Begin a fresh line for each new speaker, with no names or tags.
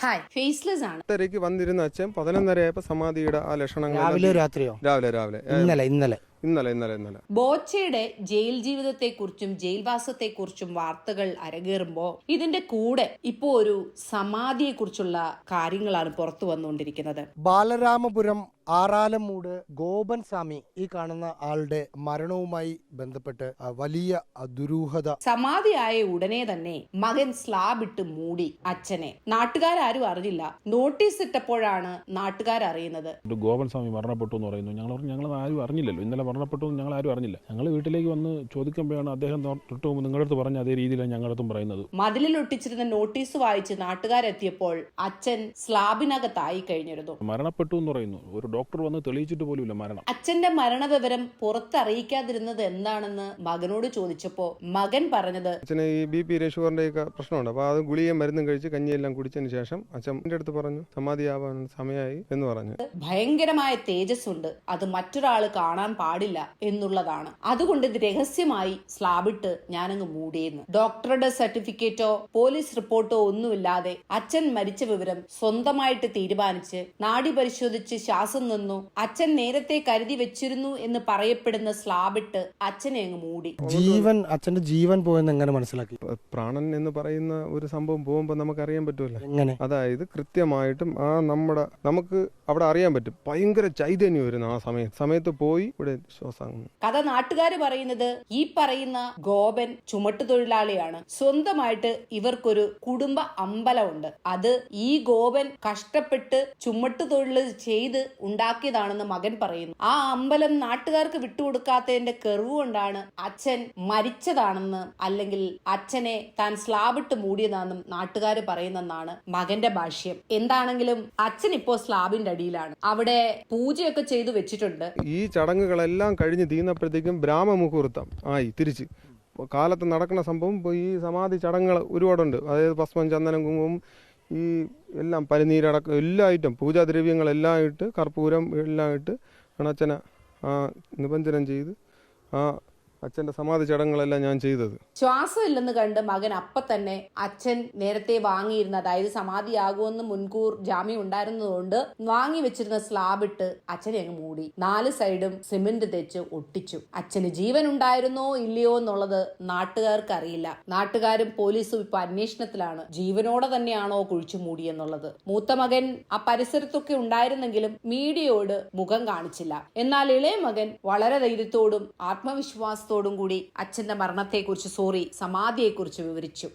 Hi, faceless ആണ്.
ഇത്രയ്ക്ക് വന്നിരുന്ന അച്ഛൻ 11:30 സമാധിയുടെ ആ ലക്ഷണങ്ങൾ
രാവിലെ രാത്രിയോ?
രാവിലെ ഇന്നലെ
ബോച്ചയുടെ ജയിൽ ജീവിതത്തെക്കുറിച്ചും ജയിൽവാസത്തെക്കുറിച്ചും വാർത്തകൾ അരങ്ങേറുമ്പോൾ ഇതിന്റെ കൂടെ ഇപ്പോ ഒരു സമാധിയെക്കുറിച്ചുള്ള കാര്യങ്ങളാണ് പുറത്തു വന്നുകൊണ്ടിരിക്കുന്നത്.
ബാലരാമപുരം ആറാലമൂട് ഗോപൻ സ്വാമി ഈ കാണുന്ന ആളുടെ മരണവുമായി ബന്ധപ്പെട്ട് വലിയ ദുരൂഹത.
സമാധിയായ ഉടനെ തന്നെ മകൻ സ്ലാബ് ഇട്ട് മൂടി അച്ഛനെ. നാട്ടുകാരും അറിഞ്ഞില്ല. നോട്ടീസ് ഇട്ടപ്പോഴാണ് നാട്ടുകാരറിയുന്നത്.
ഗോപൻ സ്വാമി മരണപ്പെട്ടു എന്ന് പറയുന്നു. ഞങ്ങൾ ആരും അറിഞ്ഞില്ലല്ലോ. ഇന്നലെ മരണപ്പെട്ടു ഞങ്ങൾ ആരും അറിഞ്ഞില്ല. ഞങ്ങൾ വീട്ടിലേക്ക് വന്ന് ചോദിക്കുമ്പോഴാണ് അദ്ദേഹം തൊട്ട് മുമ്പ് നിങ്ങളുടെ അടുത്ത് പറഞ്ഞ അതേ രീതിയിലാണ് ഞങ്ങളടുത്തും പറയുന്നത്.
മതിലിൽ ഒട്ടിച്ചിരുന്ന നോട്ടീസ് വായിച്ച് നാട്ടുകാരെത്തിയപ്പോൾ അച്ഛൻ സ്ലാബിനകത്തായി കഴിഞ്ഞിരുന്നു.
മരണപ്പെട്ടു എന്ന് പറയുന്നു. ഒരു ഡോക്ടർ വന്ന് തെളിയിച്ചിട്ട് പോലുമില്ല മരണം.
അച്ഛന്റെ മരണവിവരം പുറത്തറിയിക്കാതിരുന്നത് എന്താണെന്ന് മകനോട് ചോദിച്ചപ്പോ മകൻ പറഞ്ഞത്,
അച്ഛന് ഈ BP ഷുഗറിന്റെ ഒക്കെ പ്രശ്നമുണ്ട്. അപ്പൊ അത് ഗുളിക മരുന്നും കഴിച്ച് കഞ്ഞിയെല്ലാം കുടിച്ചതിന് ശേഷം അച്ഛൻ്റെ അടുത്ത് പറഞ്ഞു സമാധിയാവാൻ സമയമായി എന്ന് പറഞ്ഞു.
ഭയങ്കരമായ തേജസ് ഉണ്ട്, അത് മറ്റൊരാൾ കാണാൻ പാടില്ല എന്നുള്ളതാണ്. അതുകൊണ്ട് ഇത് രഹസ്യമായി സ്ലാബിട്ട് ഞാനങ്ങ് മൂടിയെന്ന്. ഡോക്ടറുടെ സർട്ടിഫിക്കറ്റോ പോലീസ് റിപ്പോർട്ടോ ഒന്നുമില്ലാതെ അച്ഛൻ മരിച്ച വിവരം സ്വന്തമായിട്ട് തീരുമാനിച്ച് നാഡി പരിശോധിച്ച് ശ്വാസം നിന്നു അച്ഛൻ നേരത്തെ കരുതി വെച്ചിരുന്നു എന്ന് പറയപ്പെടുന്ന സ്ലാബിട്ട് അച്ഛനെ അങ്ങ് മൂടി.
അച്ഛന്റെ ജീവൻ പോയെന്ന് എങ്ങനെ മനസ്സിലാക്കി?
പ്രാണൻ എന്ന് പറയുന്ന ഒരു സംഭവം പോകുമ്പോൾ നമുക്ക് അറിയാൻ പറ്റുമല്ലോ.
എങ്ങനെ?
അതായത് കൃത്യമായിട്ടും നമുക്ക് അവിടെ അറിയാൻ പറ്റും. ഭയങ്കര ചൈതന്യം വരുന്നു ആ സമയത്ത് പോയി ഇവിടെ ശ്വാസം.
കഥ നാട്ടുകാർ പറയുന്നത് ഈ പറയുന്ന ഗോപൻ ചുമട്ടുതൊഴിലാളിയാണ്. സ്വന്തമായിട്ട് ഇവർക്കൊരു കുടുംബ അമ്പലമുണ്ട്. അത് ഈ ഗോപൻ കഷ്ടപ്പെട്ട് ചുമട്ടുതൊഴിൽ ചെയ്ത് ഉണ്ടാക്കിയതാണെന്ന് മകൻ പറയുന്നു. ആ അമ്പലം നാട്ടുകാർക്ക് വിട്ടുകൊടുക്കാത്തതിന്റെ കെറിവ് കൊണ്ടാണ് അച്ഛൻ മരിച്ചതാണെന്ന്, അല്ലെങ്കിൽ അച്ഛനെ താൻ സ്ലാബിട്ട് മൂടിയതാണെന്നും നാട്ടുകാർ പറയുന്നെന്നാണ് മകന്റെ ഭാഷ്യം. എന്താണെങ്കിലും അച്ഛൻ ഇപ്പോ സ്ലാബിന്റെ അടിയിലാണ്. അവിടെ പൂജയൊക്കെ ചെയ്തു വെച്ചിട്ടുണ്ട്.
ഈ ചടങ്ങുകളെല്ലാം കഴിഞ്ഞ് തീർന്നപ്പോഴത്തേക്കും ബ്രാഹ്മമുഹൂർത്തം ആയി. തിരിച്ച് കാലത്ത് നടക്കുന്ന സംഭവം ഈ സമാധി ചടങ്ങുകൾ ഒരുപാടുണ്ട്. അതായത് ഭസ്മം, ചന്ദനം, കുങ്കുമം, ഈ എല്ലാം പനിനീരടക്കം എല്ലാ ഐറ്റം പൂജാദ്രവ്യങ്ങളെല്ലാം ഇട്ട് കർപ്പൂരം എല്ലാം ഇട്ട് അച്ഛനെ നിബഞ്ജനം ചെയ്ത് അച്ഛന്റെ സമാധി ചടങ്ങുകളെല്ലാം ഞാൻ ചെയ്തത്.
ശ്വാസം ഇല്ലെന്ന് കണ്ട് മകൻ അപ്പൊ തന്നെ അച്ഛൻ നേരത്തെ വാങ്ങിയിരുന്ന, അതായത് സമാധിയാകുമെന്ന് മുൻകൂർ ജാമ്യം ഉണ്ടായിരുന്നതുകൊണ്ട് വാങ്ങി വെച്ചിരുന്ന സ്ലാബ് ഇട്ട് അച്ഛനെ അങ്ങ് മൂടി. 4 സൈഡും സിമന്റ് തെച്ച് ഒട്ടിച്ചു. അച്ഛന് ജീവൻ ഉണ്ടായിരുന്നോ ഇല്ലയോ എന്നുള്ളത് നാട്ടുകാർക്ക് അറിയില്ല. നാട്ടുകാരും പോലീസും ഇപ്പൊ അന്വേഷണത്തിലാണ് ജീവനോടെ തന്നെയാണോ കുഴിച്ചു മൂടിയെന്നുള്ളത്. മൂത്ത മകൻ ആ പരിസരത്തൊക്കെ ഉണ്ടായിരുന്നെങ്കിലും മീഡിയയോട് മുഖം കാണിച്ചില്ല. എന്നാൽ ഇളയ മകൻ വളരെ ധൈര്യത്തോടും ആത്മവിശ്വാസത്തോടും കൂടി അച്ഛന്റെ മരണത്തെക്കുറിച്ച്, സമാധിയെക്കുറിച്ച് വിവരിച്ചു.